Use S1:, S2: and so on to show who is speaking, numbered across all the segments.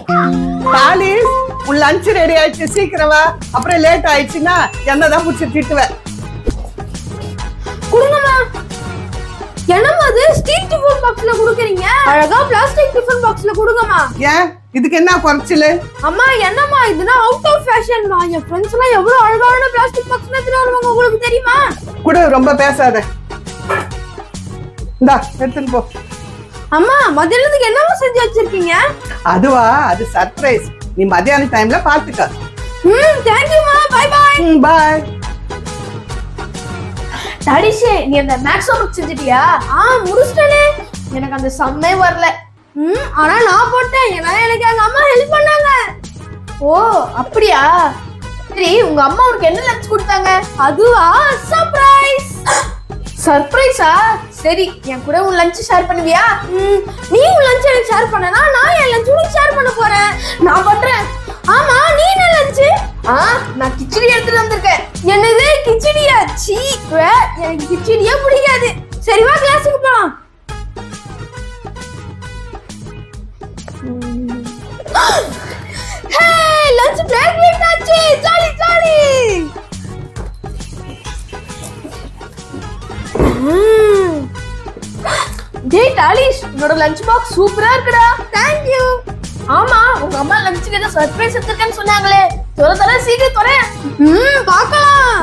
S1: தாலிஸ், உன் lunch ready ஆயிடுச்சு, சீக்கிரம் வா. அப்புறம் லேட் ஆயிடுச்சுன்னா என்னதான் புடிச்சு திட்டுவேன்.
S2: குடுங்கம்மா. என்னம்மா அது ஸ்டீல் டிஃபன் பாக்ஸ்ல குடுக்குறீங்க? அழகா பிளாஸ்டிக் டிஃபன் பாக்ஸ்ல குடுங்கம்மா.
S1: ஏன் இதுக்கு என்ன குறைச்சலு?
S2: அம்மா என்னம்மா இதுனா அவுட் ஆஃப் ஃபேஷன்மா. என் ஃப்ரெண்ட்ஸ் எல்லாம் எவ்வளவு அழகான பிளாஸ்டிக் பாக்ஸ்ல எடுத்துட்டு வருவாங்க, உங்களுக்கு தெரியுமா?
S1: கூட ரொம்ப பேசாத. இந்தா எடுத்துன்னு போ.
S2: அம்மா மதியானத்துக்கு என்னமா செஞ்சு வச்சிருக்கீங்க?
S1: அதுவா, அது சர்ப்ரைஸ். நீ மதியான டைம்ல பாத்துக்க.
S2: தேங்க் யூ மா. Bye bye.
S1: பை.
S2: டாடிஷே, நீ அந்த மேக்ஸ் ஹோம்வொர்க் செஞ்சிட்டியா? முடிச்சிட்டேனே. எனக்கு அந்த சம்மே வரல. ஆனா நான் போட்டேன். ஏன்னா எனக்கு எங்க அம்மா ஹெல்ப் பண்ணாங்க. ஓ அப்படியா? சரி, உங்க அம்மா உனக்கு என்ன லஞ்ச் கொடுத்தாங்க? அதுவா சர்ப்ரைஸ். சர்ப்ரைஸா? சரி, என் கூட உன் லஞ்ச் ஷேர் பண்ணுவியா? நீ உன் லஞ்ச் எனக்கு ஷேர் பண்ணனா நான் என் லஞ்ச் உனக்கு ஷேர் பண்ண போறேன். நான் பண்றேன். ஆமா, நீ என்ன லஞ்ச்? நான் கிச்சடி எடுத்துட்டு வந்திருக்கேன். என்னது கிச்சடியா? சீ, எனக்கு கிச்சடியே பிடிக்காது. சரி வா கிளாஸுக்கு போலாம். ஹே, லஞ்ச் பிரேக் ஆச்சு. Jolly jolly. டேய் டாலிஷ், உன்னோட லஞ்ச் பாக்ஸ் சூப்பரா இருக்குடா. Thank you. ஆமா, உங்க அம்மா லஞ்சுக்கு ஏதோ சர்ப்ரைஸ் எடுத்துருக்கேன்னு சொன்னாங்களே. தர சீக்கிரம் தர. பார்க்கலாம்.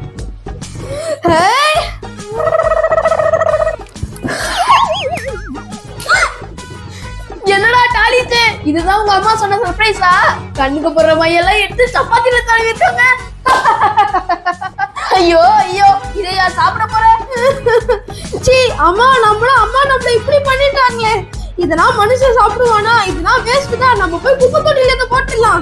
S2: என்னடா டாலிஷ், இதுதான் உங்க அம்மா சொன்ன சர்ப்ரைஸா? கண்ணுக்கு போற மையெல்லாம் எடுத்து சப்பாத்தில தடவி வச்சாங்க. ஐயோ ஐயோ, இதையா சாப்பிட போறேன்? சீ, அம்மா நம்மள இப்படி பண்ணிட்டாங்களே. இதெல்லாம் மனுஷன் சாப்பிடுவானா? இதெல்லாம் வேஸ்ட் தான். நம்ம போய் குப்பை தொட்டில இருந்து போட்டுடலாம்.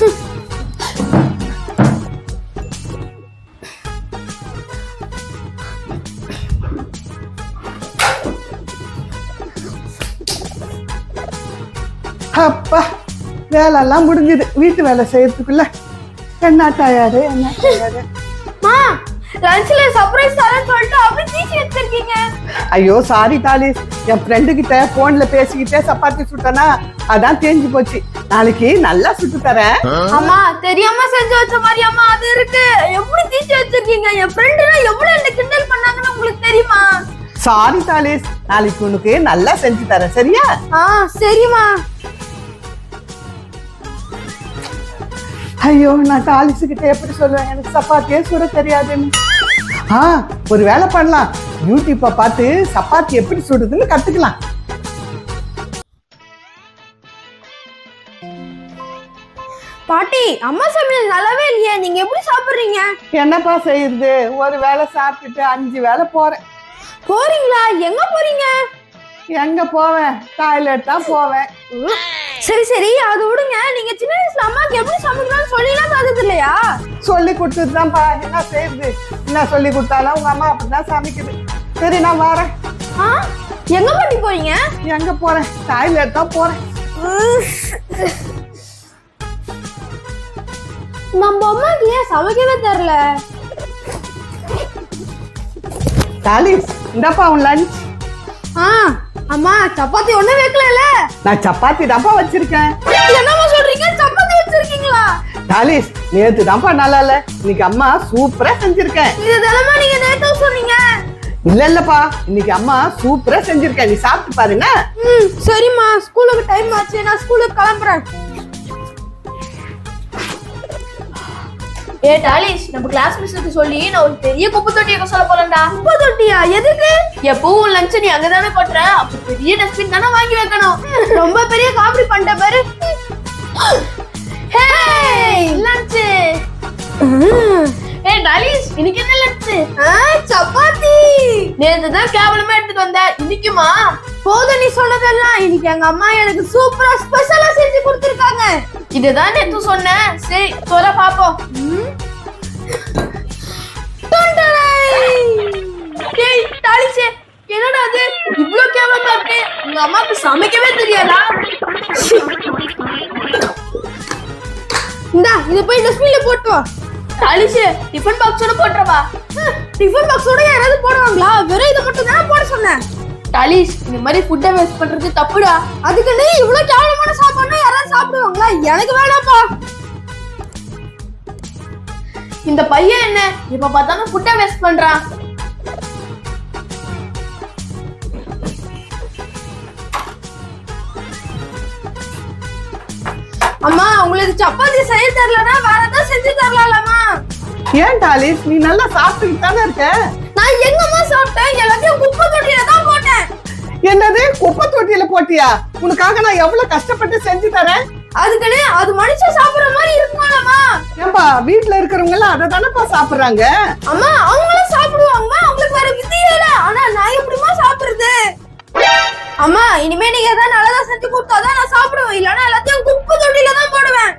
S1: அப்பா, வேலை எல்லாம் முடிஞ்சது. வீட்டு வேலை செய்யறதுக்குள்ள என்ன டயர்டு.
S2: லஞ்ச்ல சர்ப்ரைஸ் தரேன்னு சொல்லிட்டு அப்படியே தீச்சி வச்சிருக்கீங்க.
S1: ஐயோ சாரி தாலிஸ், என் ஃப்ரெண்டு கிட்ட போன்ல பேசிக்கிட்டே சப்பாத்தி சுட்டனா, அதான் தேஞ்சு போச்சு. நாளைக்கு நல்லா சுட்டு தரேன்.
S2: அம்மா தெரியாம செஞ்சு வச்ச மாதிரி அம்மா அது இருக்கு. எப்படி தீச்சி வச்சிருக்கீங்க? என் ஃப்ரெண்டுனா எவ்வளவு என்ன கிண்டல் பண்ணாங்கன்னு உங்களுக்கு தெரியுமா?
S1: சாரி தாலிஸ், நாளைக்கு உனக்கு நல்லா செஞ்சு தரேன், சரியா?
S2: சரிம்மா.
S1: ஐயோ, நான் தாலிசு கிட்ட எப்படி சொல்லுவேன்? எனக்கு சப்பாத்தியே சுட தெரியாதுன்னு. ஒரு வேலை பண்ணலாம். யூடியூப்பை பார்த்து சப்பாத்தி எப்படி சுடுதுன்னு கத்துக்கலாம்.
S2: பாட்டி, அம்மா சமையல் நல்லாவே இல்லையே. நீங்க எப்படி சாப்பிடுறீங்க?
S1: என்னப்பா செய்யுது? ஒரு வேலை சாப்பிட்டுட்டு 5 வேலை போறேன்.
S2: போறீங்களா? எங்க போறீங்க?
S1: எங்க போவேன்? டாய்லெட் தான் போவேன்.
S2: சரி சரி, அது விடுங்க. நீங்க சின்ன வயசுல அம்மாக்கு எப்படி சமைக்கணும்னு சொல்லிலாம் பார்த்தது இல்லையா?
S1: சொல்லி கொடுத்துட்டுதான்ப்பா. என்ன செய்யுது? என்ன சொல்லி கொடுத்தாலும் உங்க அம்மா அப்படிதான் சமைக்குது. சரி, நான் வரேன்.
S2: எங்க பாட்டி போறீங்க?
S1: எங்க போறேன்? டாய்லெட் தான் போறேன்.
S2: நம்ம அம்மாக்கு ஏன் சமைக்கவே தெரியல?
S1: தாலிஸ், இந்தப்பா உன் லஞ்ச்.
S2: அம்மா சப்பாத்தி ஒண்ணு வைக்கல.
S1: நான் சப்பாத்தி தான்ப்பா வச்சிருக்கேன்.
S2: என்னமா சொல்றீங்க? சப்பாத்தி வச்சிருக்கீங்களா?
S1: தாலிஸ், நேத்து தான்ப்பா நல்லா இல்ல, இன்னைக்கு அம்மா சூப்பரா செஞ்சிருக்கேன்.
S2: இது தினமா நீங்க நேத்து சொன்னீங்க.
S1: இல்லப்பா, இன்னைக்கு அம்மா சூப்பரா செஞ்சிருக்கேன். நீ சாப்பிட்டு பாருங்க.
S2: சரிம்மா, ஸ்கூலுக்கு டைம் ஆச்சு. நான் ஸ்கூலுக்கு கிளம்புறேன். ஏ டாலிஷ், நம்ம கிளாஸ் மிஸ்ஸுக்கு சொல்லி நான் ஒரு பெரிய குப்பை தொட்டியை சொல்ல போறேன்டா. குப்பை தொட்டியா? எதுக்கு? எப்பவும் லஞ்ச் நீ அங்கதானே போட்டுற, அப்ப பெரிய டஸ்ட்பின் தானே வாங்கி வைக்கணும். ரொம்ப பெரிய காமெடி பண்ணிட்ட பாரு. ஹே லஞ்ச். ஏ டாலிஷ், இன்னைக்கு என்ன லஞ்ச்? சப்பாத்தி. நேத்து தான் கேவலமா எடுத்துட்டு வந்த, இன்னைக்குமா? போதும் நீ சொன்னதெல்லாம். இன்னைக்கு எங்க அம்மா எனக்கு சூப்பரா ஸ்பெஷலா செஞ்சு கொடுத்திருக்காங்க. இதுதான் நேத்து சொன்னேன். சரி சொல்ல பாப்போம். டேய் டாலிஷ், என்னடா அது இவ்ளோ கேவலமா இருக்கு? உங்க அம்மாக்கு சமைக்கவே தெரியாதா? இந்தா, இத போய் டஸ்ட்பின்ல போட்டு வா. டாலிஷ், டிஃபன் பாக்ஸோட போட்றவா? டிஃபன் பாக்ஸோட யாராவது போடுவாங்களா? வெறும் இத மட்டும் தான் போட சொன்னேன். டாலிஷ், இந்த மாதிரி ஃபுட்டை வேஸ்ட் பண்றது தப்புடா. அதுக்கு நீ இவ்ளோ கேவலமான சாப்பாடுனா யாராவது சாப்பிடுவாங்க? எனக்கு வேணாப்பா. இந்த பையன் என்ன இப்ப பார்த்தாலும் ஃபுட்டை வேஸ்ட் பண்றான். அம்மா உங்களுக்கு சப்பாத்தி செய்ய தெரியலனா வேற ஏதாவது செஞ்சு தரலாமா?
S1: ஏன் டாலிஸ், நீ நல்லா சாப்பிட்டுக்கிட்டு தானே இருக்க?
S2: நான் எங்கம்மா சாப்பிட்டேன்? எல்லாத்தையும் குப்பை தொட்டியில தான் போட்டேன்.
S1: என்னது, குப்பை தொட்டியில போட்டியா? உனக்காக நான் எவ்வளவு கஷ்டப்பட்டு செஞ்சு தரேன்.
S2: அதுக்குன்னு அது மனுஷன் சாப்பிடுற மாதிரி இருக்குமாலம்மா?
S1: ஏன்பா, வீட்டுல இருக்கிறவங்க எல்லாம் அதை தானப்பா சாப்பிடுறாங்க.
S2: அம்மா அவங்களும் சாப்பிடுவாங்க, அவங்களுக்கு வேற விதியே இல்ல. ஆனா நான் எப்படிமா சாப்பிடுறது? அம்மா இனிமே நீங்க ஏதாவது நல்லதா செஞ்சு கொடுத்தாதான் நான் சாப்பிடுவேன், இல்லன்னா எல்லாத்தையும் குப்பை தொட்டியில தான் போடுவேன்.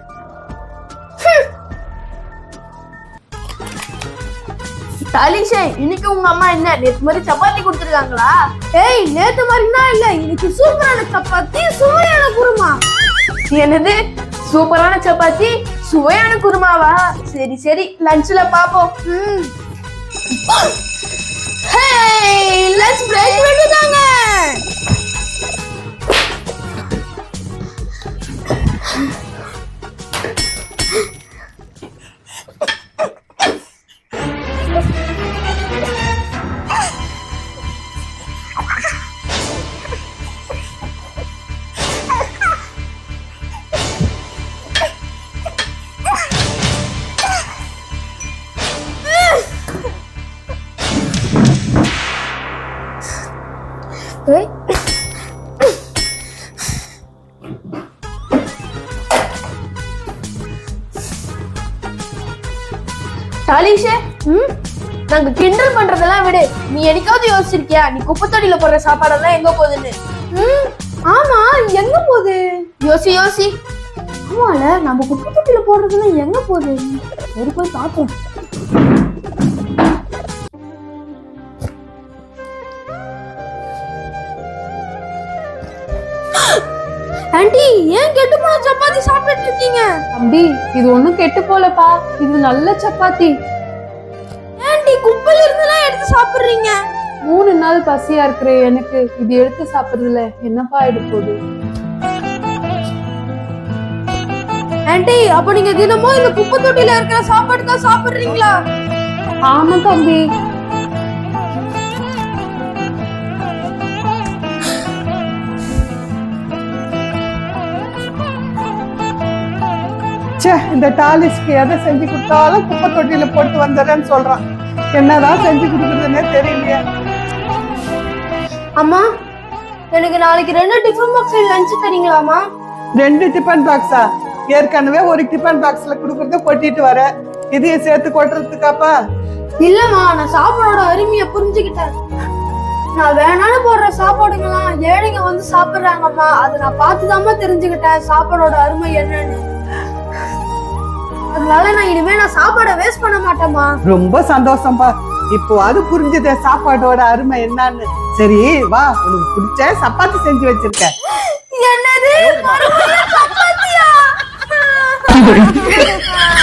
S2: தாலிஷே, இன்னைக்கு உங்க அம்மா என்ன நேத்து மாதிரி சப்பாத்தி கொடுத்துருக்காங்களா? ஏய், நேத்து மாதிரினா இல்ல, இன்னைக்கு சூப்பரான சப்பாத்தி, சுவையான குருமா. என்னது, சூப்பரான சப்பாத்தி சுவையான குருமாவா? சரி சரி, லஞ்ச்ல பாப்போம். லஞ்ச் பிரேக் விட்டுட்டாங்க. தாலிஷே, நாங்க கிண்டல் பண்றதெல்லாம் விடு. நீ என்னைக்காவது யோசிச்சிருக்கியா நீ குப்பை தொட்டியில போடுற சாப்பாடெல்லாம் எங்க போகுதுன்னு? ஆமா, எங்க போகுது? யோசி யோசி. ஆமால, நம்ம குப்பை தொட்டியில போடுறதெல்லாம் எங்க போகுது? சரி, போய் பார்ப்போம். ஆண்டி, ஏன் கெட்டு போன சப்பாத்தி சாப்பிட்டு இருக்கீங்க?
S3: தம்பி, இது ஒண்ணும் கெட்டு போலப்பா, இது நல்ல சப்பாத்தி.
S2: ஆண்டி, குப்பையில இருந்தெல்லாம் எடுத்து சாப்பிடுறீங்க.
S3: 3 நாள் பசியா இருக்கிற எனக்கு இது எடுத்து சாப்பிடுறதுல என்னப்பா ஆயிடு போகுது?
S2: ஆண்டி, அப்ப நீங்க தினமும் இந்த குப்பை தொட்டியில இருக்கிற சாப்பாடு தான் சாப்பிடுறீங்களா?
S3: ஆமா தம்பி.
S1: இந்த டாலிஸ்க்கு எதை செஞ்சு கொடுத்தாலும் குப்பை தொட்டியில போட்டு வந்துடுறேன்னு சொல்றான். என்னதான் செஞ்சு கொடுக்குறதுன்னே தெரியலையே.
S2: அம்மா, எனக்கு நாளைக்கு 2 டிஃபன் பாக்ஸ்ல லஞ்ச் தரீங்களாமா?
S1: 2 டிஃபன் பாக்ஸா? ஏற்கனவே ஒரு டிஃபன் பாக்ஸ்ல குடுக்கறத கொட்டிட்டு வர, இதையும் சேர்த்து கொட்டுறதுக்காப்பா?
S2: இல்லம்மா, நான் சாப்பாடோட அருமையை புரிஞ்சுக்கிட்டேன். நான் வேணாலும் போடுற சாப்பாடுங்களாம் ஏழைங்க வந்து சாப்பிடுறாங்கம்மா, அதை நான் பார்த்துதாம்மா தெரிஞ்சுக்கிட்டேன் சாப்பாடோட அருமை என்னன்னு. அதனால நான் இனிமே சாப்பாடை வேஸ்ட் பண்ண மாட்டேம்மா.
S1: ரொம்ப சந்தோஷம்பா, இப்போ அது புரிஞ்சுதே சாப்பாடோட அருமை என்னன்னு. சரி வா, உனக்கு பிடிச்ச சப்பாத்தி செஞ்சு வச்சிருக்கேன்.
S2: என்னது, சப்பாத்தியா?